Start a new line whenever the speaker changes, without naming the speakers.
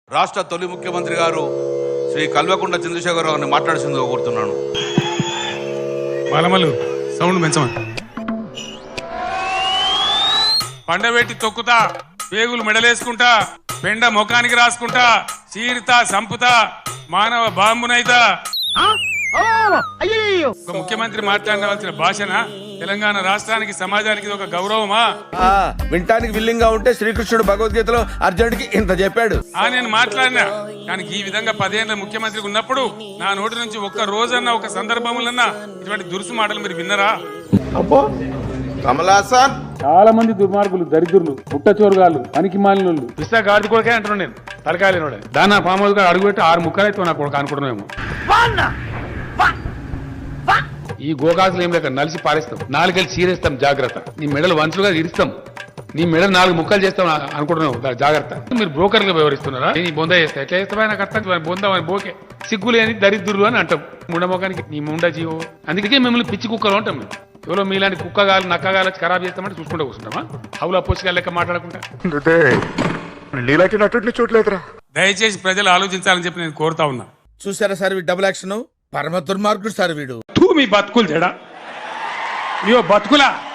రాష్ట్ర తొలి ముఖ్యమంత్రి గారు శ్రీ కల్వకుంట్ల చంద్రశేఖరరావు గారిని మాట్లాడుతుందో కోరుతున్నాను.
బలమలు సౌండ్ పెంచమని. పండబెట్టి తొక్కుతా, పేగులు మెడలేసుకుంటా, పెండ ముఖానికి రాసుకుంటా, చీరుతా, సంపుతా, మానవ బాంబునైతా. ఒక ముఖ్యమంత్రి మాట్లాడవలసిన భాషన తెలంగాణ రాష్ట్రానికి సమాజానికి ఇది ఒక గౌరవమా?
వింటానికి విల్లింగ్ గా ఉంటే శ్రీకృష్ణుడు భగవద్గీతలో అర్జునుడికి ఇంత చెప్పాడు.
నేను మాట్లాడినా, కానీ ఈ విధంగా 10 ఏళ్ల ముఖ్యమంత్రికి ఉన్నప్పుడు నా నోటి నుంచి ఒక్క రోజన్నా ఒక సందర్భములన్నా ఇటువంటి దురుసు మాటలు మీరు విన్నరా?
అబ్బో కమలాసన్,
చాలా మంది దుర్మార్గులు, దరిద్రులు, పుట్టచోరుగాళ్ళు, పనికి మాలినోళ్ళు, పిస్తా గాడి కొడుకే అంటున్నాను నేను. తలకాయలేనోడే దాని పాము అడుగుపెట్టి 6 ముక్కలైతే నా కొడుకు అనుకుంటున్నామేమో. ఈ గోకాసులు ఏం లేక నలిసి పారేస్తాం, 4 కలిసి చీరేస్తాం, జాగ్రత్త. నీ మెడలు వంచులుగా ఇరుస్తాం, నీ మెడలు 4 ముక్కలు చేస్తాం అనుకుంటున్నావు, జాగ్రత్త. మీరు బ్రోకర్గా వ్యవహరిస్తున్నారా? నీ బొంద చేస్తా ఎట్లా చేస్తావా? నాకు అర్థం బొంద బోకే సిగ్గులు అని దరిద్రులు అని అంటాం. ముండమోకానికి నీ ముండ జీవో. అందుకే మిమ్మల్ని పిచ్చి కుక్కలు అంటాం. మేము ఎవరో మీలాంటి కుక్కగాలు నక్కగాలు ఖరాబ్ చేస్తామంటే చూసుకుంటూ కూర్చుంటామా? హౌలా పోసిగా లెక్క మాట్లాడకుండా.
దయచేసి ప్రజలు ఆలోచించాలని చెప్పి నేను కోరుతా ఉన్నా.
చూసారా సార్ డబుల్ యాక్షన్, పరమ దుర్మార్గుడు సార్ వీడు.
మీ బతుకులు చెడా, మీ బతుకులా